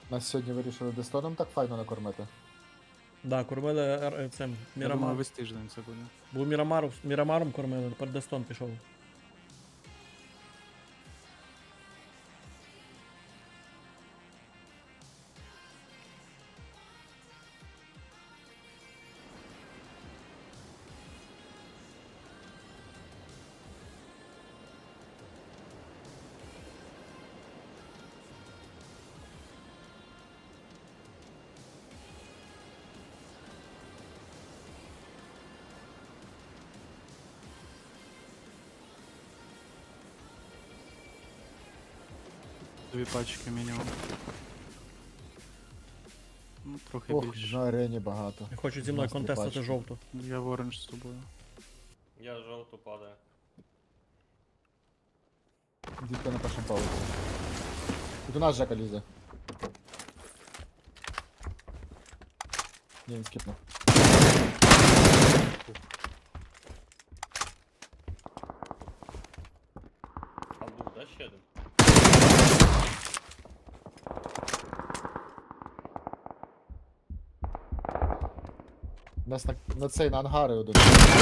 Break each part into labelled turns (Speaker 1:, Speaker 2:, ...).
Speaker 1: Нас сьогодні вирішили Дестоном так файно накормити.
Speaker 2: Да, кормили цим
Speaker 3: Я думаю,
Speaker 2: Мірамар.
Speaker 3: весь тиждень це буде.
Speaker 2: Був Мірамаром кормили, тепер Дестон пішов.
Speaker 3: Дві пачки мінімум. Ну, трохи
Speaker 1: Ох,
Speaker 3: більше.
Speaker 1: на арені багато.
Speaker 2: І хочуть зі мною
Speaker 1: Нас не
Speaker 2: контестити
Speaker 1: бачить.
Speaker 2: жовту.
Speaker 3: Я в оранж з тобою.
Speaker 4: Я жовту падаю.
Speaker 1: Дітка на першому пауці. Тут у нас Жека лізе. Ні, він скіпнув.
Speaker 4: А був, да, ще один?
Speaker 1: У нас на цей, на ангари один.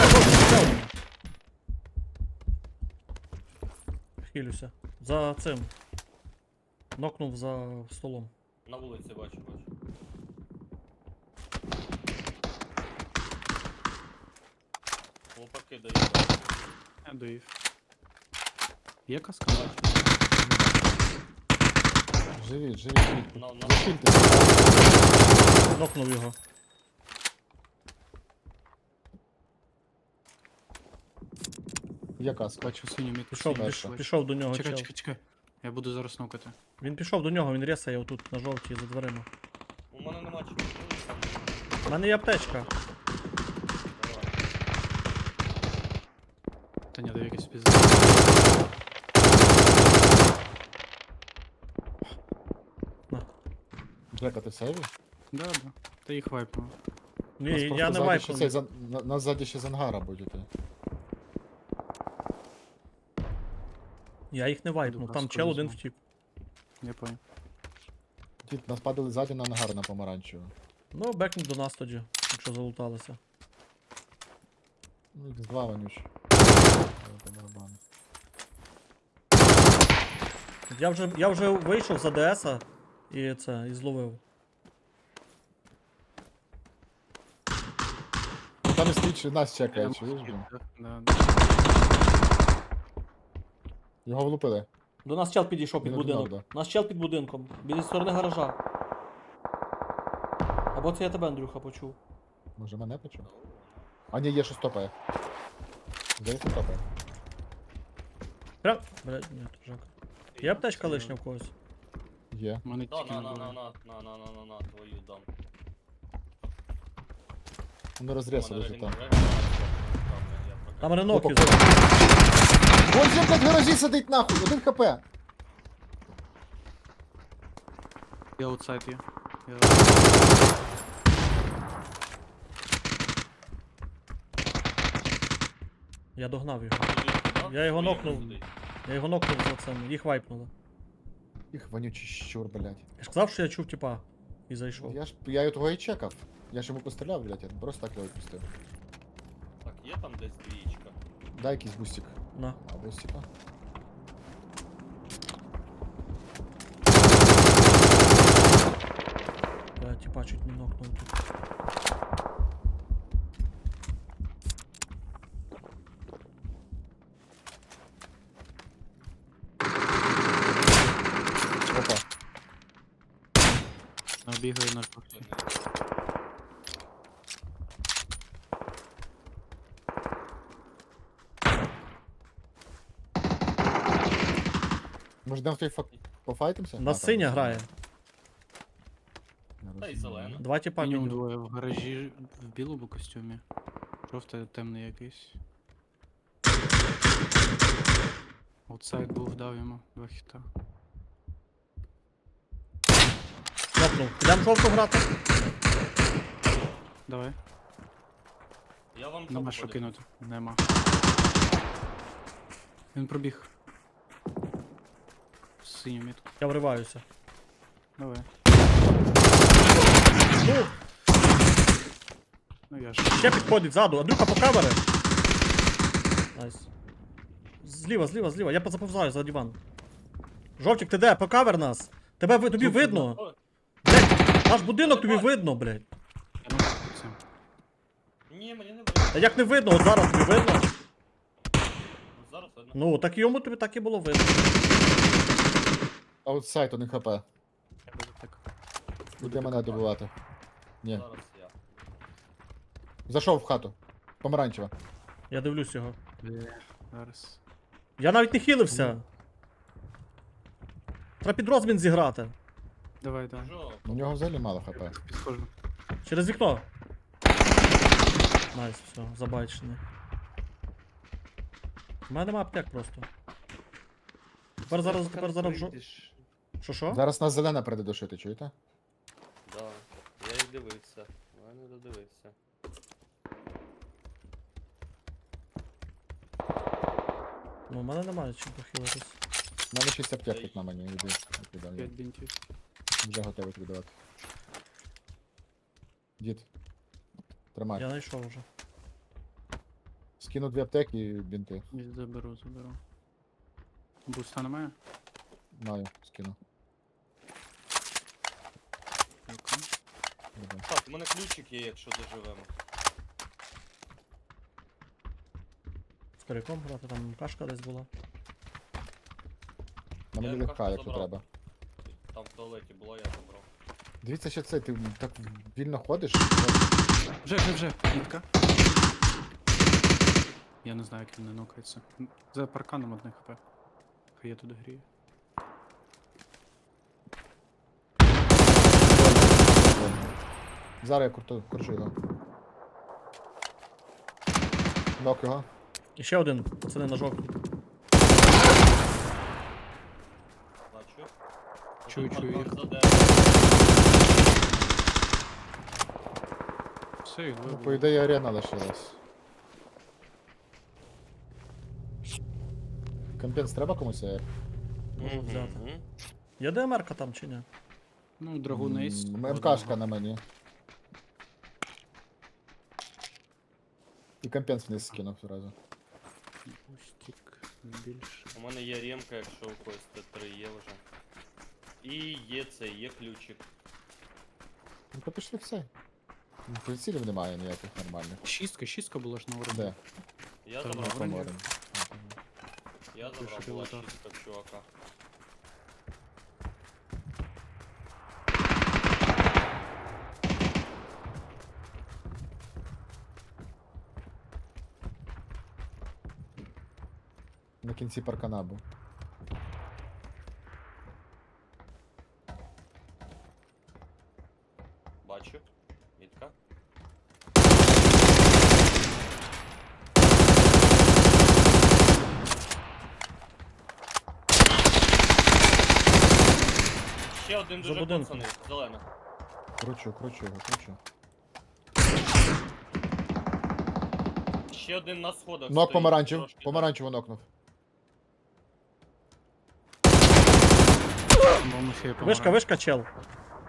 Speaker 2: Хилюся. За цим. Нокнув за столом.
Speaker 4: На вулиці бачу. Хлопаки дають.
Speaker 3: Я доїв. Є каска?
Speaker 1: Живіть, живіть.
Speaker 4: На
Speaker 1: Захильтеся.
Speaker 2: Нокнув його.
Speaker 1: Є каска.
Speaker 3: Бачу синю мітку.
Speaker 2: Пішов,
Speaker 3: синю
Speaker 1: Перша.
Speaker 3: бачу.
Speaker 2: пішов до нього
Speaker 3: Чекай,
Speaker 2: чел.
Speaker 3: чекай, чекай. Я буду зараз нокати.
Speaker 2: Він пішов до нього, він рєсає отут на жовтій за дверима.
Speaker 4: У мене нема чого.
Speaker 2: У мене є аптечка.
Speaker 4: Давай.
Speaker 3: Та ні, дав якийсь пізд.
Speaker 1: Жека, ти в сейві?
Speaker 3: Да. Та їх вайпнув.
Speaker 2: Ні,
Speaker 1: Нас
Speaker 2: я
Speaker 1: просто
Speaker 2: не
Speaker 1: ззаді ще
Speaker 2: вайпнув.
Speaker 1: цей нас ззаді ще з ангара будете.
Speaker 2: Я їх не вайпнув,
Speaker 3: Добре,
Speaker 2: там
Speaker 3: скоро
Speaker 2: чел один
Speaker 3: візьму.
Speaker 2: втік.
Speaker 3: Я понял.
Speaker 1: Дід, нас падали ззаді на ангар на помаранчево.
Speaker 2: Ну, бекнуть до нас тоді, якщо залуталися.
Speaker 1: Ну, X2 вонюч. По барабану.
Speaker 2: Я вже вийшов за ДСа і це, і зловив.
Speaker 1: Там і стоїть, нас чекає, чуєш, блін?
Speaker 3: Да.
Speaker 1: Його влупили.
Speaker 2: До нас чел підійшов під
Speaker 1: Не догнав,
Speaker 2: будинок. Нас чел під будинком, біля сторони гаража. Або це я тебе, Андрюха, почув.
Speaker 1: Може мене почув? А ні, є щось топає. Здається, топає.
Speaker 2: Прям. Блядь, ні, то Жека. Є аптечка лишня в когось?
Speaker 1: Є.
Speaker 3: Мене
Speaker 4: Да,
Speaker 3: тільки не було.
Speaker 4: на, твою дам.
Speaker 1: Вони розрісали вже там.
Speaker 2: Там реноки.
Speaker 1: Опа, Вон же, блядь, в гаражі сидить нахуй, 1 хп.
Speaker 3: Я аутсайд є.
Speaker 2: Я догнав його. Я його нокнув. Я його нокнув за цим, їх вайпнули.
Speaker 1: Їх вонючий щур, блядь.
Speaker 2: Я ж сказав, що я чув типа. І зайшов.
Speaker 1: Я його того і чекав. Я ж йому постріляв, блядь, я просто так його відпустив.
Speaker 4: Так, є там десь двічка.
Speaker 1: Дай якийсь бустик.
Speaker 2: На.
Speaker 1: А, бустика.
Speaker 2: Я типа чуть не нокнув тут.
Speaker 1: Опа.
Speaker 3: Бігаю на шпахті.
Speaker 1: Може йдемо в той пофайтимся?
Speaker 2: На синя грає.
Speaker 4: Та й зелена.
Speaker 2: Два типа
Speaker 3: Мінімум
Speaker 2: мінімум.
Speaker 3: двоє в гаражі в білому костюмі. Жовтий темний якийсь. Аутсайд був, дав йому 2 хіта.
Speaker 2: Нокнув. Йдем жовту грати.
Speaker 3: Давай.
Speaker 4: Я вам
Speaker 3: Нема
Speaker 4: жовту
Speaker 3: що
Speaker 4: подивлюсь.
Speaker 3: кинути. Нема. Він пробіг. Синю мітку.
Speaker 2: Я вриваюся.
Speaker 3: Давай.
Speaker 2: Ну,
Speaker 3: Ну я ж.
Speaker 2: ще підходить ззаду. Андрюха, по камери. Найс. Зліва. Я заповзаю за диван. Жовтик, ти де? По кавер нас. Тобі видно.
Speaker 4: О,
Speaker 2: Блядь, наш будинок тобі видно, блядь.
Speaker 3: Я ну все.
Speaker 4: ні, мені не
Speaker 2: Та
Speaker 4: видно.
Speaker 2: як не видно, от зараз тобі видно.
Speaker 4: Зараз видно.
Speaker 2: Ну, так йому тобі так і було видно.
Speaker 1: Аутсайд, один хп.
Speaker 3: Я буду так.
Speaker 1: Буде мене добивати. Ні.
Speaker 4: Зараз я.
Speaker 1: Зайшов в хату. Помаранчева.
Speaker 2: Я дивлюсь його.
Speaker 3: Бля, зараз.
Speaker 2: Я навіть не хилився. Треба під розмін зіграти.
Speaker 3: Давай.
Speaker 4: Жо,
Speaker 1: У нього взагалі мало хп.
Speaker 3: Підходжу.
Speaker 2: Через вікно. Найс, все, забайчений. У мене нема аптек просто. Тепер зараз жо... Що?
Speaker 1: Зараз нас зелена прийде душити, чуєте?
Speaker 4: Да, я їх дивився. Я не додивився.
Speaker 2: Ну, у мене немає чим похилитись.
Speaker 1: У мене 6 аптек тут на мені. Іди. Віддаю.
Speaker 3: 5 бінтів.
Speaker 1: Вже готовий віддавати. Дід. Тримай.
Speaker 2: Я знайшов вже.
Speaker 1: Скину 2 аптеки і бінти.
Speaker 3: Заберу. Буста немає?
Speaker 1: Маю, скину.
Speaker 3: Дякую.
Speaker 1: Давай.
Speaker 4: Так, у мене ключик є, якщо доживемо.
Speaker 2: З коряком грати, там кашка десь була.
Speaker 1: На
Speaker 4: Я
Speaker 1: мені
Speaker 4: їм
Speaker 1: легка,
Speaker 4: кашку
Speaker 1: якщо
Speaker 4: забрав.
Speaker 1: треба.
Speaker 4: Там в туалеті було, я забрав.
Speaker 1: Дивіться ще це, ти так вільно ходиш.
Speaker 3: Вже. Нітка. Я не знаю, як він не нокається. За парканом одне хп. Хай я туди грію.
Speaker 1: Зараз я кручу його. Нок його.
Speaker 2: І ще один, пацани на жовтій.
Speaker 4: Бачу.
Speaker 3: Чую
Speaker 4: Один
Speaker 3: їх.
Speaker 4: за деревом.
Speaker 3: Все, їх
Speaker 1: Ну,
Speaker 3: вибило.
Speaker 1: по ідеї арена лишилась. Компенс треба комусь?
Speaker 2: Можу взяти.
Speaker 4: Мгм.
Speaker 2: Є ДМР-ка там чи ні?
Speaker 3: Ну, драгунист.
Speaker 1: МКшка на мені. І компенс вниз скинув одразу.
Speaker 3: Бустик. Більше.
Speaker 4: У мене є ремка, якщо у когось Т3 є вже. І є це, є ключик.
Speaker 1: Ну то пішли все. Прицілів немає ніяких нормальних.
Speaker 3: Шістка була ж на уровні.
Speaker 1: Де?
Speaker 4: Я
Speaker 3: Та
Speaker 4: забрав.
Speaker 3: на броні.
Speaker 1: Поморем.
Speaker 4: Я забрав,
Speaker 3: Пише
Speaker 4: була
Speaker 3: пілота.
Speaker 4: чистка в чувака.
Speaker 1: На кінці паркана був.
Speaker 4: Бачу. Мітка. Ще один
Speaker 2: За
Speaker 4: дуже
Speaker 2: будинком.
Speaker 4: пацаний, зелена.
Speaker 1: Кручу його, кручу.
Speaker 4: Ще один на сходах.
Speaker 1: Нок
Speaker 4: стоїть,
Speaker 1: помаранчев.
Speaker 4: трошки,
Speaker 1: Помаранчево нокнув.
Speaker 3: По-моєму, ще є
Speaker 2: Вишка, чел.
Speaker 4: так.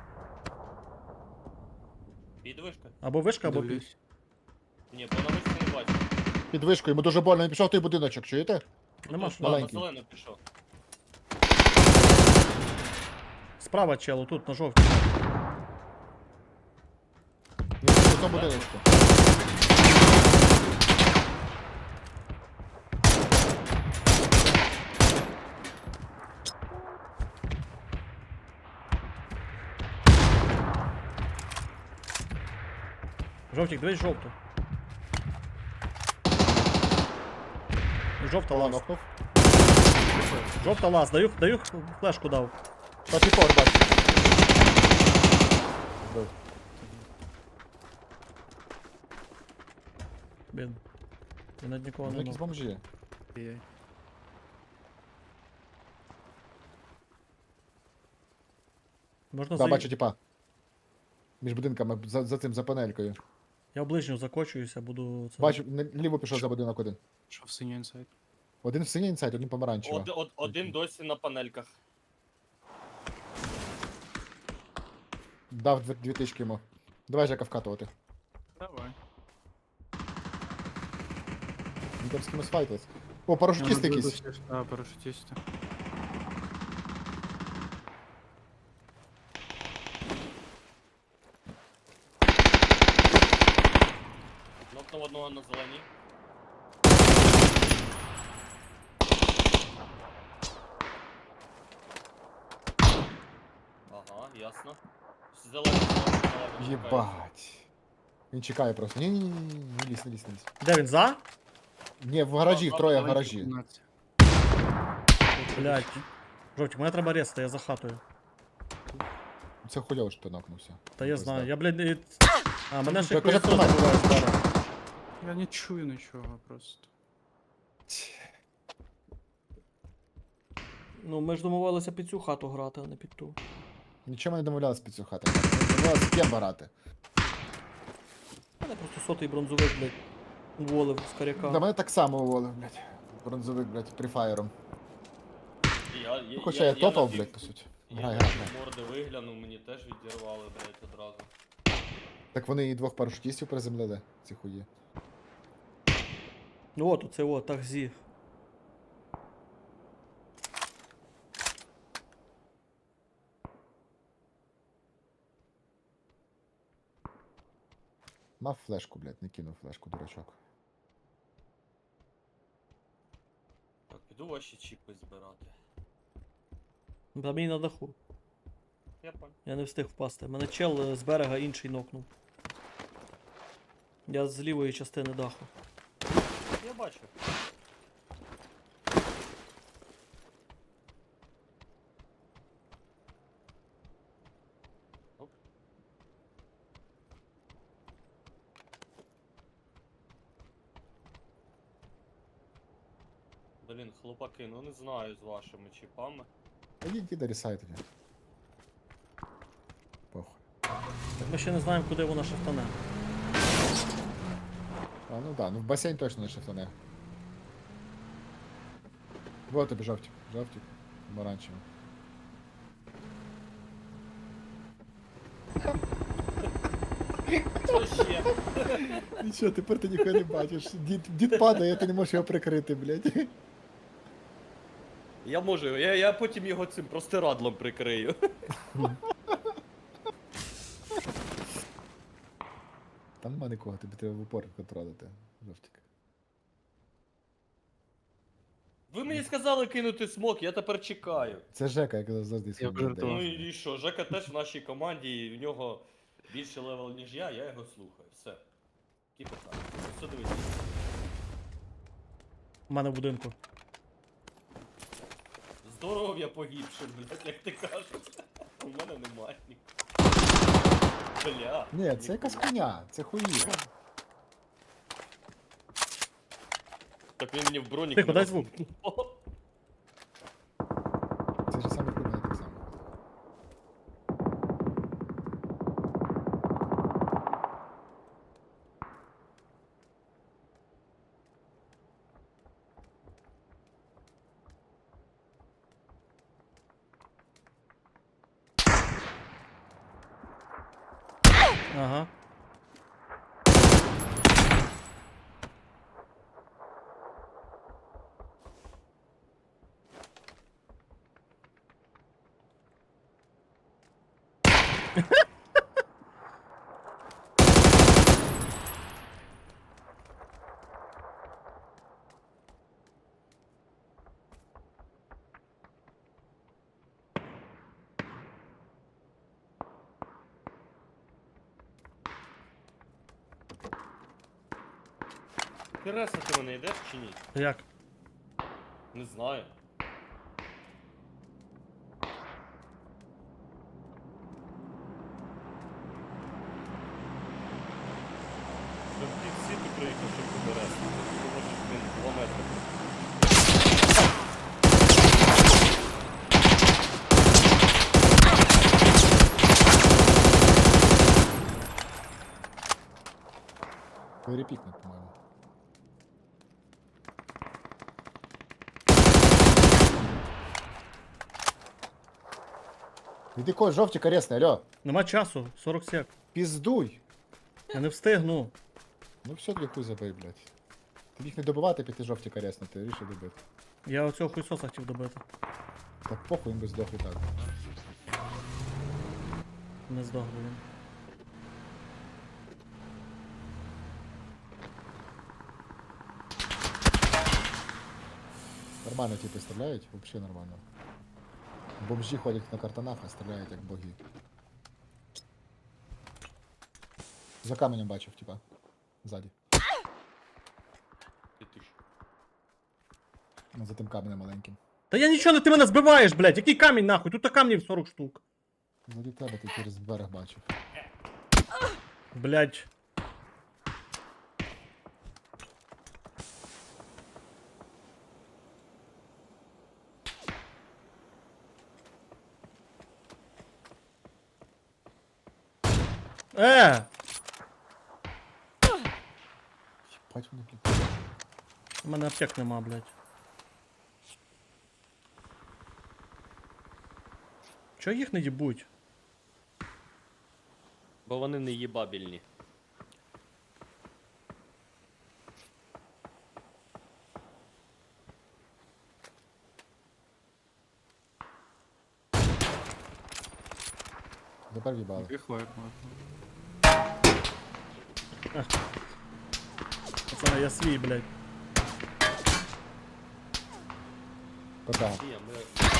Speaker 4: Під вишка?
Speaker 2: Або вишка, або під.
Speaker 3: Дивлюсь.
Speaker 4: Ні, бо на вишці не бачу.
Speaker 1: Під вишкою, йому дуже больно, він пішов в той будиночок, чуєте?
Speaker 2: Нема
Speaker 4: Тут,
Speaker 2: що.
Speaker 4: на
Speaker 1: Маленький.
Speaker 4: зелену пішов.
Speaker 2: Справа чел, тут на жовтій.
Speaker 1: Він в тому будиночку.
Speaker 2: Жовтик, дивись жовту. Жовта
Speaker 1: Кола
Speaker 2: лаз.
Speaker 1: нокнув.
Speaker 2: Жовта лаз, даю флешку дав.
Speaker 1: Перший повер бачу. Вбив.
Speaker 2: Блін. Я над нікого
Speaker 1: Ну,
Speaker 2: не
Speaker 1: якісь
Speaker 2: мав.
Speaker 1: бомжі.
Speaker 3: Ай-яй.
Speaker 2: Можна
Speaker 1: Да,
Speaker 2: за...
Speaker 1: бачу, типа. Між будинками, за цим, за панелькою.
Speaker 2: Я в ближню закочуюся, буду... Це...
Speaker 1: Бачу, ліво пішов за будинок один.
Speaker 3: Що в синій інсайд?
Speaker 1: Один в синій інсайд, один помаранчево.
Speaker 4: Один досі на панельках.
Speaker 1: Дав дві тички йому. Давай, Жека, вкатувати.
Speaker 3: Давай.
Speaker 1: Він там з кимось файтились. О, парашутіст якийсь.
Speaker 3: А, парашутисти.
Speaker 4: Нокнув одного на зелені. Ага, ясно. Зелений, зелений.
Speaker 1: Єбать. Він чекає просто. Ні-ні-ні, не лізь, не лізь, не лізь.
Speaker 2: Де він за?
Speaker 1: Ні, в гаражі, троє в гаражі.
Speaker 2: Блять. Жовтик, мене треба резати, я за хатою.
Speaker 1: Це хуйово, що ти нокнувся.
Speaker 2: Та я знаю, я, блядь, А, мене ще
Speaker 1: Кажи,
Speaker 2: хуйсос
Speaker 1: тримай.
Speaker 2: буває зараз.
Speaker 3: Я не чую нічого просто.
Speaker 2: Ну, ми ж домовилися під цю хату грати, а не під ту.
Speaker 1: Нічого ми не домовлялися під цю хату. Ми домовлялися з ким грати.
Speaker 2: Мене просто сотий бронзовик, блядь, уволив з коряка.
Speaker 1: Да мене так само уволив, блядь. Бронзовик, блядь, прифаєром. Ну, хоча я топав,
Speaker 4: надів-
Speaker 1: блядь, по суті.
Speaker 4: Я
Speaker 1: Грай,
Speaker 4: на
Speaker 1: грай,
Speaker 4: ті
Speaker 1: грай.
Speaker 4: морди виглянув, мені теж відірвали, блядь, одразу.
Speaker 1: Так вони і двох парашутістів приземлили, ці хуї.
Speaker 2: Ну от, оце от, такзі.
Speaker 1: Мав флешку, блядь, не кинув флешку, дурачок.
Speaker 4: Так, піду ваші чіпи збирати.
Speaker 2: Та мені на даху.
Speaker 4: Я понял.
Speaker 2: Я не встиг впасти. Мене чел з берега інший нокнув. Я з лівої частини даху.
Speaker 4: Я бачу. Оп. Блін, хлопаки, ну не знаю з вашими чіпами.
Speaker 1: Та їдь, іди рісай тоді. Похуй.
Speaker 2: Так ми ще не знаємо, куди вона шифтане.
Speaker 1: А, ну да, ну в басейн точно не шифтане. Вот тобі жовтик, жовтик, помаранчевий.
Speaker 4: Що ще?
Speaker 1: Нічого, тепер ти ніхуя не бачиш. Дід падає, ти не можеш його прикрити, блядь.
Speaker 4: Я можу, я потім його цим простирадлом прикрию.
Speaker 1: Там нема нікого, тобі треба в упор контролити, жовтик.
Speaker 4: Ви мені сказали кинути смок, я тепер чекаю.
Speaker 1: Це Жека, як завжди свій
Speaker 3: пожартував.
Speaker 4: Ну і що, Жека теж в нашій команді, і в нього більше левел, ніж я його слухаю. Все. Які питання? Все дивіться.
Speaker 2: У мене в будинку.
Speaker 4: Здоров'я погибше, блядь, як ти кажеш. У мене немає нікого. Бля.
Speaker 1: Ні, це якась хуйня, це хуї.
Speaker 4: Так він мені в бронік.
Speaker 2: Тихо, дай звук.
Speaker 1: Це ж саме хуйня так само.
Speaker 2: Ага.
Speaker 4: Тереса, ти мене йдеш чи ні?
Speaker 2: Як?
Speaker 4: Не знаю. Ти в пів світу приїхав, щоб до Тереси. Ти можеш, блін, 2 метри.
Speaker 1: Перепікнуть, по-моєму. Іди когось жовтик аресний, алло.
Speaker 2: Нема часу, 40 сек.
Speaker 1: Піздуй!
Speaker 2: Я не встигну.
Speaker 1: Ну все, тоді хуй забий, блядь. Ти міг не добивати, піти жовті каряснути, рішив добити.
Speaker 2: Я оцього хуйсоса хотів добити.
Speaker 1: Так похуй, він би здох і так.
Speaker 2: Не здох би він.
Speaker 1: Нормально типи стріляють, взагалі нормально. Бомжі ходять на картонах, а стріляють як боги. За каменем бачив, типа. Ззаді.
Speaker 4: Ти ж.
Speaker 1: Ну, за тим каменем маленьким.
Speaker 2: Та я нічого не ти мене збиваєш, блядь. Який камінь нахуй? Тут камнів 40 штук.
Speaker 1: Ззаді тебе ти через берег бачив.
Speaker 2: Блядь.
Speaker 1: Бать вони, блядь.
Speaker 2: У мене аптек нема, блядь. Чого їх не їбуть?
Speaker 4: Бо вони не їбабільні.
Speaker 1: Тепер в'їбали.
Speaker 3: Тихо, як можна.
Speaker 2: Пацани, я свій, блядь.
Speaker 1: ПК.
Speaker 4: Ні, ми...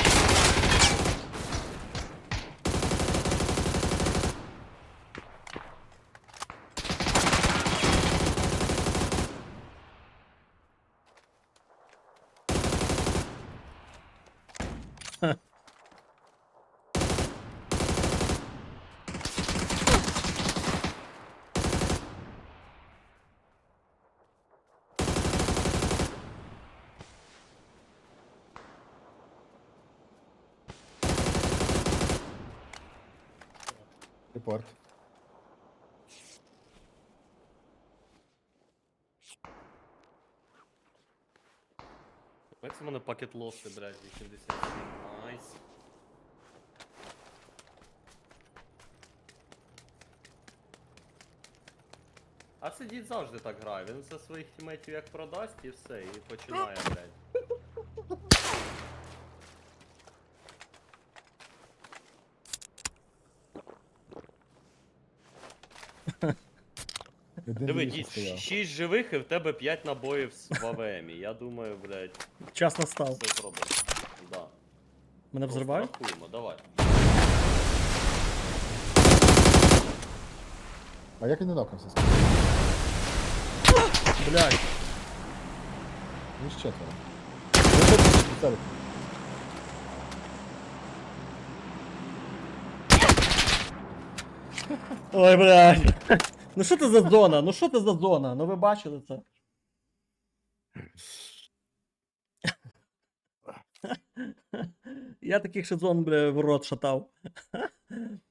Speaker 1: Репорт.
Speaker 4: Це в мене пакет лоси, блядь, 80. Найс. А це дід завжди так грає, він за своїх тімейтів як продасть і все, і починає, блядь.
Speaker 1: Один
Speaker 4: Диви,
Speaker 1: більше
Speaker 4: дід,
Speaker 1: стояв.
Speaker 4: 6 живих і в тебе 5 набоїв в АВМі. Я думаю, блядь,
Speaker 2: Час настав.
Speaker 4: все зробимо. Да.
Speaker 2: Мене
Speaker 4: Просто
Speaker 2: взривають?
Speaker 4: рахуємо, давай.
Speaker 1: А як він не нокнувся?
Speaker 2: Блядь.
Speaker 1: Він ж четверо. Виходь,
Speaker 2: Ой, блядь. Ну що це за зона? Ну що це за зона? Ну ви бачили це? Я таких ще зон, бля, в рот шатав.